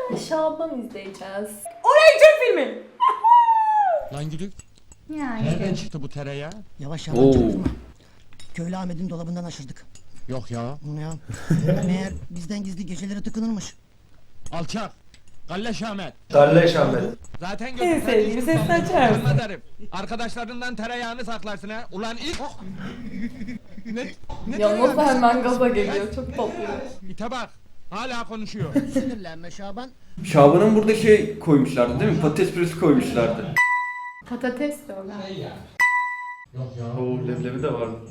Şaban izleyeceğiz. Oley Türk filmi. Lan gülük. Yani. Nereden çıktı bu tereyağı? Yavaş yavaş çaktırma. Köylü Ahmet'in dolabından aşırdık. Yok ya. Ya, meğer bizden gizli gecelere tıkınırmış. Alçak. Galleş Ahmet. Galleş Ahmet. Zaten En gördüm. sevdiğim sesini açar mısın? Canım ederim. Arkadaşlarından tereyağını saklarsın ha. Ulan ilk... ne Yalnız tereyağı? hemen gaza geliyor. Çok tatlı. İte bak. Hala konuşuyor. Sinirlenme Şaban. Şaban'ın burada şey koymuşlardı değil mi? Patates püresi koymuşlardı. Patates de öyle. Yok ya. Oo leblebi de vardı.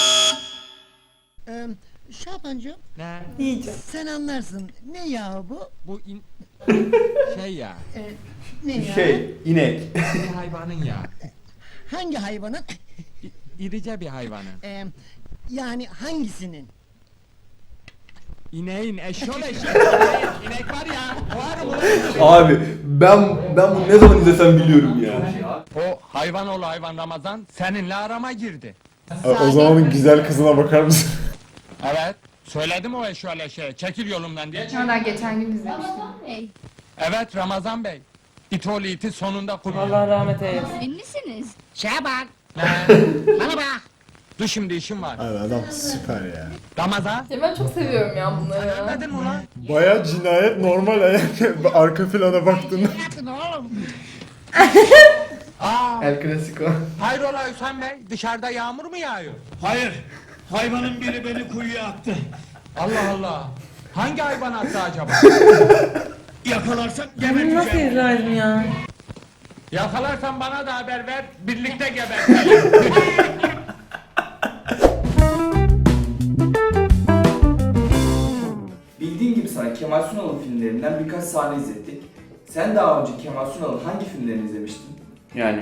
Şabancığım Ne? Yiyeceğim. sen anlarsın. Ne ya bu? Bu şey ya. Ne ya? Şey, inek. Bir hayvanın ya. Hangi hayvanın? İrice bir hayvanın. Yani hangisinin? İneğin, eşşol eşek. İnek var ya. Var mı? Abi ben bunu ne zaman izlesem biliyorum ya. O hayvan oğlu hayvan Ramazan seninle arama girdi. O zamanın güzel kızına bakar mısın? Evet. Söyledim o eşşol eşeğe. Çekil yolumdan diye. Ben geçen gün izlemiştim. Evet Ramazan Bey. İtoğlu iti sonunda kurtuldu. Allah rahmet eylesin. Ünlüsünüz. Şaban. Bana bak. Dur şimdi işim var. Abi adam süper ya. Ramazan. Ya ben çok seviyorum ya bunları. Anladın mı lan? Baya cinayet normal arka plana baktığında. Aa, El Clasico. hayrola Hüseyin Bey? Dışarıda yağmur mu yağıyor? Hayır. Hayvanın biri beni kuyuya attı. Allah Allah. Hangi hayvan attı acaba? Yakalarsak Bunu nasıl geberteceğim. izlerdim ya? Yakalarsan bana da haber ver. Birlikte gebertelim. Bildiğin gibi sana Kemal Sunal'ın filmlerinden birkaç sahne izlettik. Sen daha önce Kemal Sunal'ın hangi filmlerini izlemiştin? Yani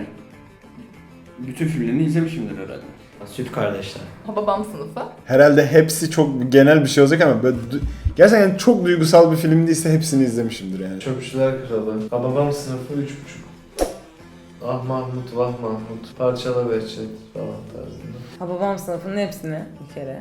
bütün filmlerini izlemişimdir herhalde. Süt kardeşler. Babam sınıfı. Herhalde hepsi çok genel bir şey olacak ama böyle gerçekten çok duygusal bir film değilse hepsini izlemişimdir yani. Çöpçüler Kralı, Hababam Sınıfı 3,5. Ah Mahmut, Vah Mahmut, Parçala Behçet falan tarzında. Hababam sınıfının hepsini bir kere.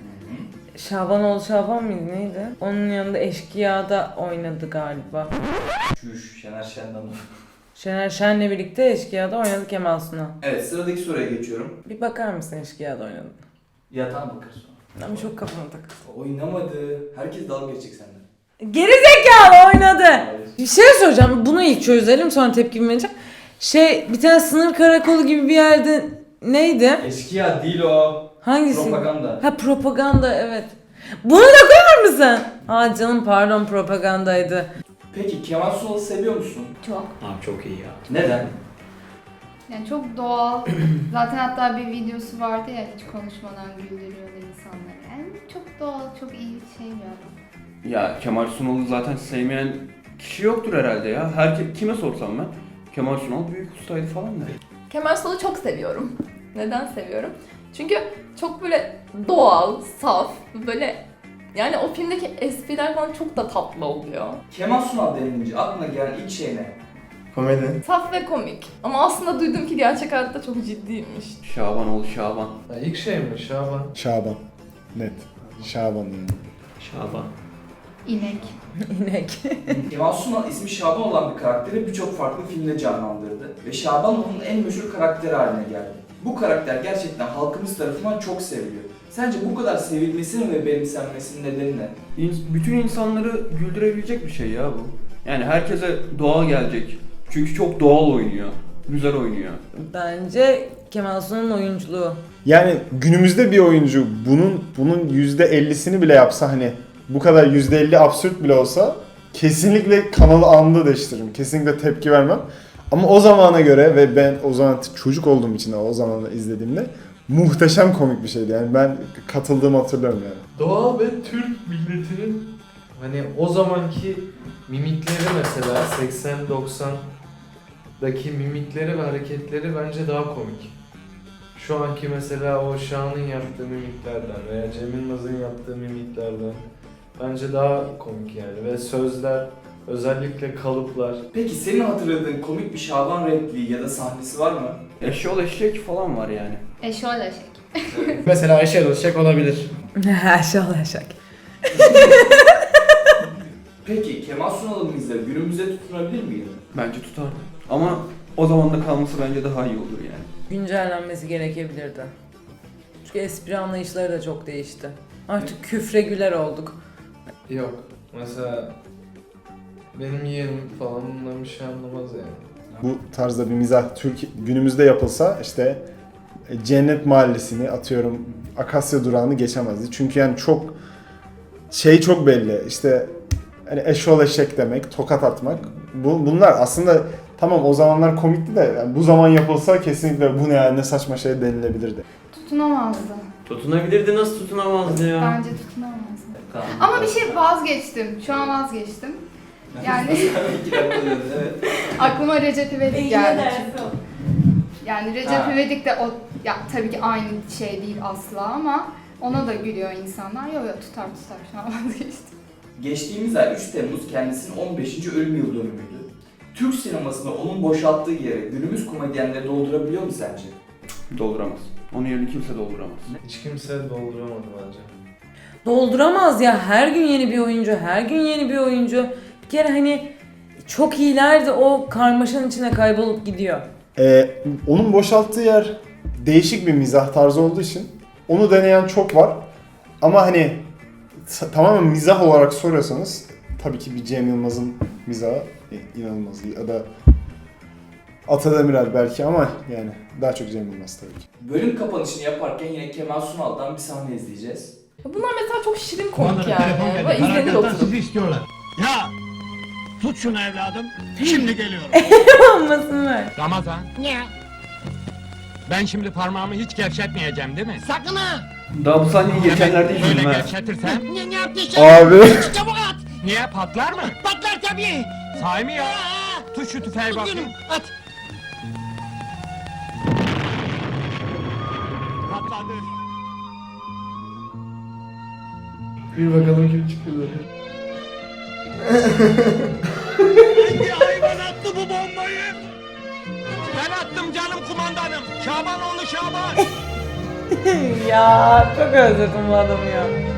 Şabanoğlu Şaban mıydı neydi? Onun yanında Eşkıya'da oynadı galiba. Çüş, Şener Şen'den. Şener Şen'le birlikte Eşkıya'da oynadı Kemal Sunal. Evet, sıradaki soruya geçiyorum. Bir bakar mısın Eşkıya'da oynadı? Yatağına bakar sonra. Ama çok kafama takıldı. Oynamadı. Herkes dalga geçecek senden. Geri zekalı oynadı. Bir şey soracağım. Bunu ilk çözelim sonra tepkimi vereceğim. Bir tane sınır karakolu gibi bir yerde neydi? Eşkıya değil o. Hangisi? Propaganda. Ha propaganda evet. Bunu da koyar mısın? Ha canım pardon propagandaydı. Peki Kemal Sunal'ı seviyor musun? Çok. Abi çok iyi ya. Neden? Yani çok doğal. Zaten hatta bir videosu vardı ya hiç konuşmadan güldürüyordu insanları. Yani çok doğal, çok iyi şey bir adam. Ya Kemal Sunal'ı zaten sevmeyen kişi yoktur herhalde ya. Kime sorsam ben. Kemal Sunal büyük ustaydı falan der. Kemal Sunal'ı çok seviyorum. Neden seviyorum? Çünkü çok böyle doğal, saf, böyle yani o filmdeki espriler falan çok da tatlı oluyor. Kemal Sunal denilince aklına gelen ilk şey ne? Komedi. Saf ve komik. Ama aslında duydum ki gerçek hayatta çok ciddiymiş. Şaban oğlu Şaban. Ya ilk şey mi? Şaban. Şaban. Net. Şaban yani. Şaban. İnek. İnek. Kemal Sunal ismi Şaban olan bir karakteri birçok farklı filmde canlandırdı ve Şaban onun en meşhur karakteri haline geldi. Bu karakter gerçekten halkımız tarafından çok seviliyor. Sence bu kadar sevilmesinin ve benimsenmesinin nedeni ne? Bütün insanları güldürebilecek bir şey ya bu. Yani herkese doğal gelecek. Çünkü çok doğal oynuyor. Güzel oynuyor. Bence Kemal Sunal'ın oyunculuğu. Yani günümüzde bir oyuncu bunun %50'sini bile yapsa hani bu kadar %50 absürt bile olsa kesinlikle kanalı anında değiştiririm. Kesinlikle tepki vermem. Ama o zamana göre ve ben o zaman çocuk olduğum için o zaman izlediğimde muhteşem komik bir şeydi. Yani ben katıldığımı hatırlıyorum yani. Doğal ve Türk milletinin hani o zamanki mimikleri mesela 80-90'daki mimikleri ve hareketleri bence daha komik. Şu anki mesela o Şahan'ın yaptığı mimiklerden veya Cem Yılmaz'ın yaptığı mimiklerden bence daha komik yani ve sözler özellikle kalıplar. Peki senin hatırladığın komik bir Şaban repliği ya da sahnesi var mı? Eşyol eşek falan var yani. Eşol eşek. Mesela Ayşe Özçek olabilir. Şöyle şak. Peki Kemal Sunal'ın mizahı günümüzde tutunabilir miydi? Bence tutardı. Ama o zaman da kalması bence daha iyi olur yani. Güncellenmesi gerekebilirdi. Çünkü espri anlayışları da çok değişti. Artık küfre güler olduk. Yok. Mesela benim yeğenim falan bundan bir şey anlamaz yani. Bu tarzda bir mizah günümüzde yapılsa işte Cennet Mahallesi'ni atıyorum Akasya Durağı'nı geçemezdi. Çünkü yani çok belli. İşte hani eşol eşek demek, tokat atmak. Bunlar aslında tamam o zamanlar komikti de yani bu zaman yapılsa kesinlikle bu ne yani ne saçma şey denilebilirdi. Tutunamazdı. Tutunabilirdi, nasıl tutunamazdı ya? Bence tutunamazdı. Ama bir şey vazgeçtim. Şu an vazgeçtim. Yani 2 dakika döndü, evet. aklıma Recep İvedik geldi. Yani Recep İvedik de o ya tabii ki aynı şey değil asla ama ona da gülüyor insanlar. Yok tutar şu an vazgeçtim. Geçtiğimiz ay 3 Temmuz kendisinin 15. ölüm yıl dönümüydü. Türk sinemasında onun boşalttığı yeri günümüz komedyenleri doldurabiliyor mu sence? Dolduramaz. Onun yerini kimse dolduramaz. Hiç kimse dolduramadı bence. Dolduramaz ya, her gün yeni bir oyuncu, her gün yeni bir oyuncu. Bir kere hani çok iyiler de o karmaşanın içine kaybolup gidiyor. Onun boşalttığı yer değişik bir mizah tarzı olduğu için onu deneyen çok var. Ama hani tamamen mizah olarak soruyorsanız tabii ki bir Cem Yılmaz'ın mizahı inanılmaz iyi. Ya da Ata Demirer belki ama yani daha çok Cem Yılmaz tabii ki. Bölüm kapanışını yaparken yine Kemal Sunal'dan bir sahne izleyeceğiz. Bunlar mesela çok şirin komik yani. Böyle izlenir oturup. sizi istiyorlar. Ya tut şunu evladım. Şimdi geliyorum. Olmasın ver. Ramazan. Ne? Ben şimdi parmağımı hiç gevşetmeyeceğim değil mi? Sakın ha. Daha bu sahneyi geçenlerde Böyle izledim ha. gevşetirsem. Ne yaptın? Abi Çabuk at. Niye patlar mı? Patlar tabii. Sahi mi ya? Tut şu tüfeği bakayım. At. Patladı. Bir bakalım kim çıkıyor. Hangi hayvan attı bu bombayı? Ben attım canım kumandanım. Şabanoğlu Şaban. Ya çok özledim bu adamı ya.